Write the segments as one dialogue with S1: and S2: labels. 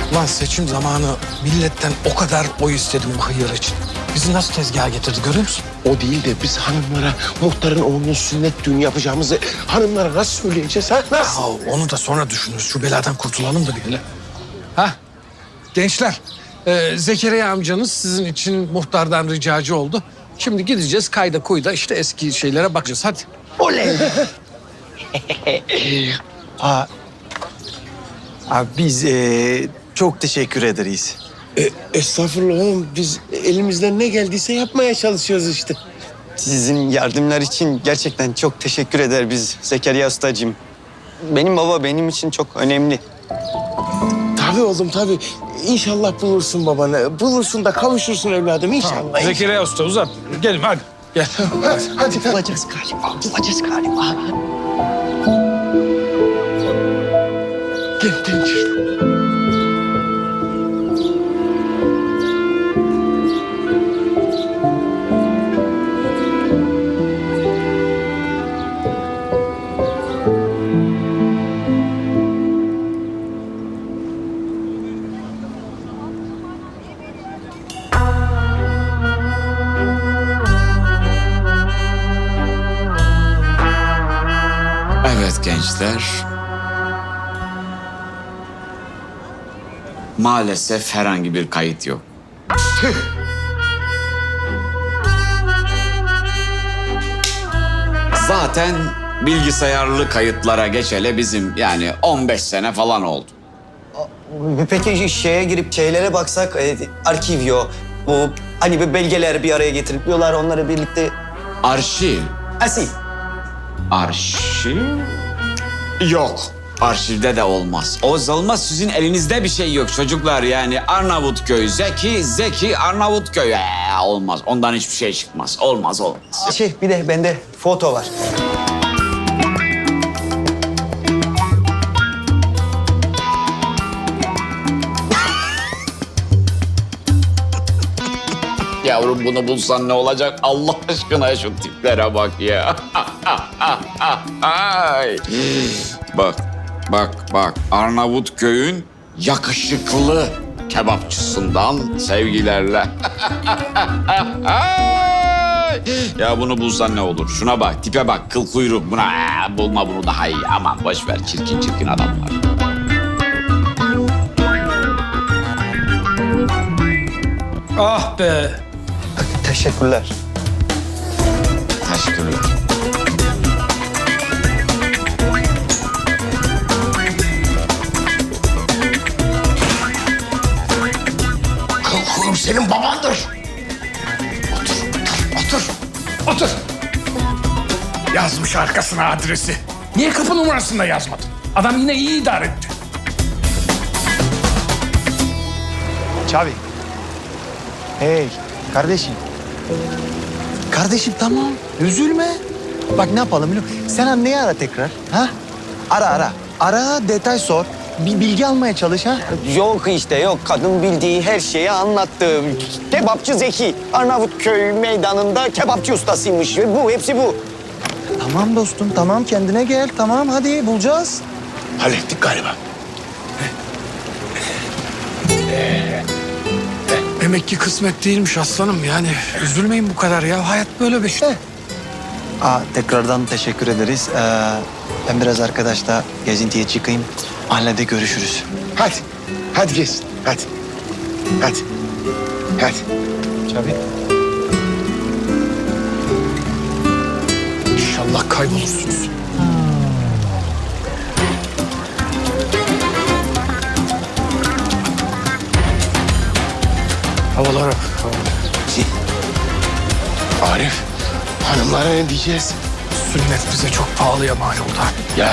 S1: Lan seçim zamanı milletten o kadar oy istedim bu hıyar için. Bizi nasıl tezgaha getirdi görüyor musun?
S2: O değil de biz hanımlara muhtarın oğlunun sünnet düğünü yapacağımızı hanımlara nasıl söyleyeceğiz ha? Nasıl?
S1: Ya onu da sonra düşünürüz. Şu beladan kurtulalım da bir hele. Ha? Gençler, Zekeriya amcanız sizin için muhtardan ricacı oldu. Şimdi gideceğiz kayda kuyda işte eski şeylere bakacağız. Hadi.
S2: Oley!
S3: Abi biz çok teşekkür ederiz.
S2: Estağfurullah oğlum. Biz elimizden ne geldiyse yapmaya çalışıyoruz işte.
S3: Sizin yardımlar için gerçekten çok teşekkür eder biz Zekeriya Ustacığım. Benim baba benim için çok önemli.
S2: Tabii oğlum tabii. İnşallah bulursun babanı. Bulursun da kavuşursun evladım inşallah.
S1: Zekeriya Usta uzat. Gelin hadi. Gel.
S2: Hadi.
S3: Bulacağız galiba, bulacağız galiba.
S2: Gel işte.
S4: Evet gençler. Maalesef herhangi bir kayıt yok. Zaten bilgisayarlı kayıtlara geçeli bizim yani 15 sene falan oldu.
S3: Peki şeye girip şeylere baksak, arkivyo, bu hani bir belgeler bir araya getirip diyorlar onları birlikte...
S4: Arşiv.
S3: Asil.
S4: Arşiv? Yok. Arşivde de olmaz. Olmaz sizin elinizde bir şey yok çocuklar yani Arnavutköy, Zeki Arnavutköy. Olmaz ondan hiçbir şey çıkmaz. Olmaz.
S3: Bir de bende foto var.
S4: Yavrum bunu bulsan ne olacak? Allah aşkına şu tiplere bak ya. Ay. Bak. Arnavutköy'ün yakışıklı kebapçısından sevgilerle. Ay. Ya bunu bulsan ne olur? Şuna bak, tipe bak, kıl kuyruk. Buna bulma bunu daha iyi. Aman boş ver, çirkin adamlar.
S1: Ah be.
S3: Teşekkürler.
S4: Teşekkürler.
S2: Oğlum senin babandır.
S1: Otur. Yazmış arkasına adresi. Niye kapı numarasını da yazmadın? Adam yine iyi idare etti.
S3: Çavi. Hey kardeşim. Kardeşim tamam üzülme. Bak ne yapalım biliyor musun? Sen anneyi ara tekrar. Ha? Ara. Ara detay sor. Bir bilgi almaya çalış ha.
S5: Yok işte yok. Kadın bildiği her şeyi anlattı. Kebapçı Zeki. Arnavutköy meydanında kebapçı ustasıymış. Bu, hepsi bu.
S3: Tamam dostum tamam kendine gel. Tamam hadi bulacağız.
S2: Hallettik galiba.
S1: Demek ki kısmet değilmiş aslanım yani. Üzülmeyin bu kadar ya. Hayat böyle bir şey.
S3: Tekrardan teşekkür ederiz. Ben biraz arkadaşla gezintiye çıkayım. Mahallede görüşürüz.
S2: Hadi gelsin. Hadi.
S3: Çavi.
S1: İnşallah kaybolursunuz. Havalara bak.
S2: Arif, hanımlara ne diyeceğiz?
S1: Sünnet bize çok pahalıya mal oldu.
S2: Ya.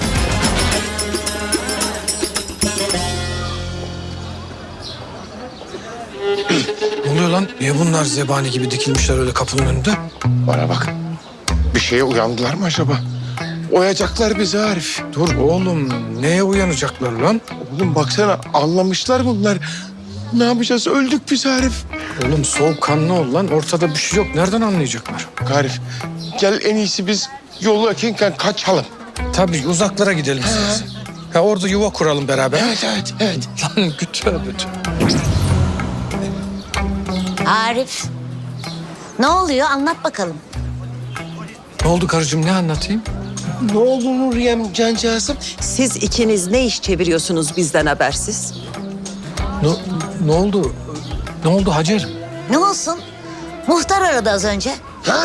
S1: Ne oluyor lan? Niye bunlar zebani gibi dikilmişler öyle kapının önünde?
S2: Bana bak. Bir şeye uyandılar mı acaba? Oyacaklar bizi Arif.
S1: Dur oğlum, neye uyanacaklar lan?
S2: Oğlum baksana anlamışlar bunlar. Ne yapacağız? Öldük biz Arif.
S1: Oğlum soğukkanlı ol lan. Ortada bir şey yok. Nereden anlayacaklar?
S2: Arif gel en iyisi biz yolu yakınken kaçalım.
S1: Tabii uzaklara gidelim istersen. Ha, orada yuva kuralım beraber.
S2: Evet.
S1: Lan tövbe.
S6: Arif, ne oluyor? Anlat bakalım.
S1: Ne oldu karıcığım, ne anlatayım?
S2: Ne oldu Nuriyem cancağızım?
S7: Siz ikiniz ne iş çeviriyorsunuz bizden habersiz?
S1: Ne oldu? Ne oldu Hacer?
S6: Ne olsun? Muhtar aradı az önce.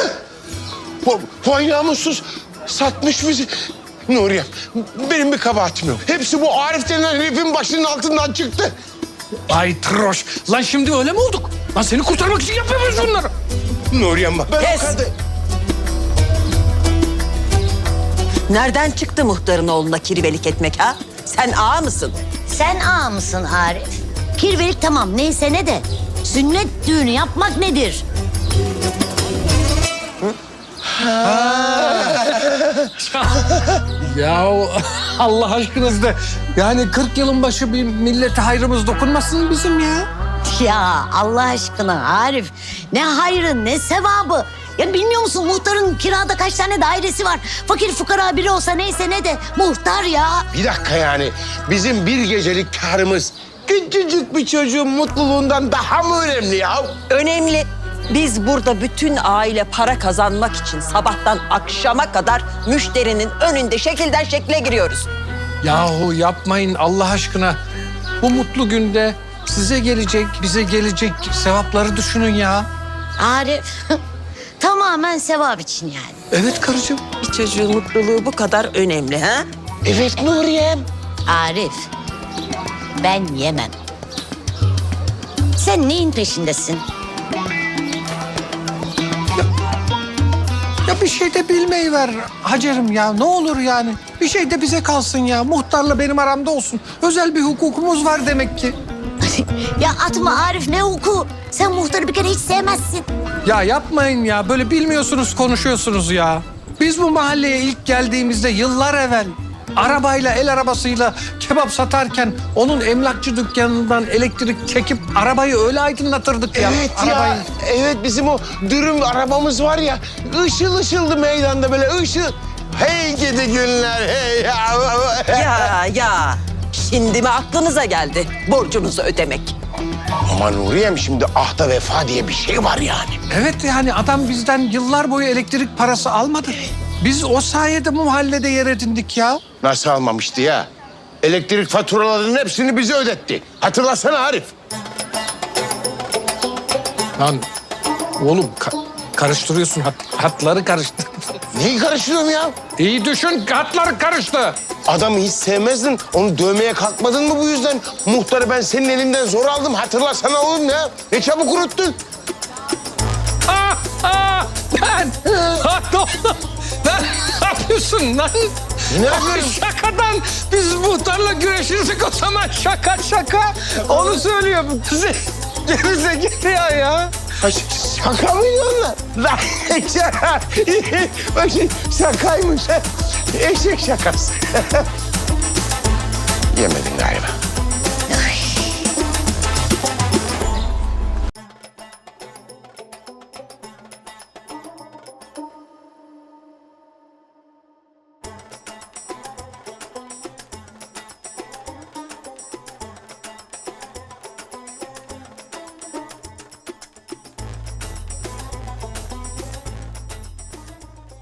S2: Vay namussuz. Satmış bizi. Nuriyem, benim bir kabahatim yok. Hepsi bu Arif denen herifin başının altından çıktı.
S1: Ay troş. Lan şimdi öyle mi olduk? Lan seni kurtarmak için yapıyoruz bunları.
S2: Nuriyem bak.
S7: Kes! Nereden çıktı muhtarın oğluna kirvelik etmek ha? Sen ağa mısın?
S6: Sen ağa mısın Arif? Kirvelik tamam neyse ne de. Sünnet düğünü yapmak nedir?
S1: Ya Allah aşkınızda. Yani 40 yılın başı bir millete hayrımız dokunmasın bizim ya.
S6: Ya Allah aşkına Arif. Ne hayrı ne sevabı. Ya bilmiyor musun muhtarın kirada kaç tane dairesi var? Fakir fukara biri olsa neyse ne de muhtar ya.
S2: Bir dakika yani. Bizim bir gecelik karımız küçücük bir çocuğun mutluluğundan daha mı önemli ya?
S7: Önemli. Biz burada bütün aile para kazanmak için sabahtan akşama kadar müşterinin önünde şekilden şekle giriyoruz.
S1: Yahu yapmayın Allah aşkına. Bu mutlu günde size gelecek, bize gelecek sevapları düşünün ya.
S6: Arif tamamen sevap için yani.
S1: Evet karıcığım.
S7: Bir çocuğun mutluluğu bu kadar önemli ha?
S2: Evet Nuriyem.
S6: Arif ben yemem. Sen neyin peşindesin?
S1: Ya bir şey de bilmeyi ver Hacer'im ya. Ne olur yani. Bir şey de bize kalsın ya. Muhtarla benim aramda olsun. Özel bir hukukumuz var demek ki.
S6: Ya atma Arif ne hukuku? Sen muhtarı bir kere hiç sevmezsin.
S1: Ya yapmayın ya. Böyle bilmiyorsunuz, konuşuyorsunuz ya. Biz bu mahalleye ilk geldiğimizde yıllar evvel arabayla, el arabasıyla kebap satarken onun emlakçı dükkanından elektrik çekip arabayı öyle aydınlatırdık ya.
S2: Evet
S1: Arabayı.
S2: ya. Evet bizim o dürüm arabamız var ya. Işıl ışıldı meydanda böyle ışıl. Hey gidi günler hey ya.
S7: Ya şimdi mi aklınıza geldi borcunuzu ödemek?
S2: Ama Nuriyem şimdi ahda vefa diye bir şey var yani.
S1: Evet yani adam bizden yıllar boyu elektrik parası almadı. Biz o sayede bu mahallede yer edindik ya.
S2: Nasıl almamıştı ya? Elektrik faturalarının hepsini bize ödetti. Hatırlasana Arif.
S1: Lan oğlum karıştırıyorsun hatları karıştır.
S2: Neyi karıştırıyorum ya?
S1: İyi düşün hatları karıştı.
S2: Adamı hiç sevemezdin. Onu dövmeye kalkmadın mı bu yüzden? Muhtarı ben senin elinden zor aldım. Hatırlasana oğlum ya. Ne çabuk unuttun.
S1: Lan! Ne oldu? Lan ne yapıyorsun lan?
S2: Ne yapıyorum?
S1: Şakadan biz muhtarla güreşirsek o zaman şaka. Onu söylüyorum. Gerize geliyor ya.
S2: Ha, şaka mıydı onlar? Lan şaka. Bak şimdi şakaymış. Eşek şakası. Yemedin galiba.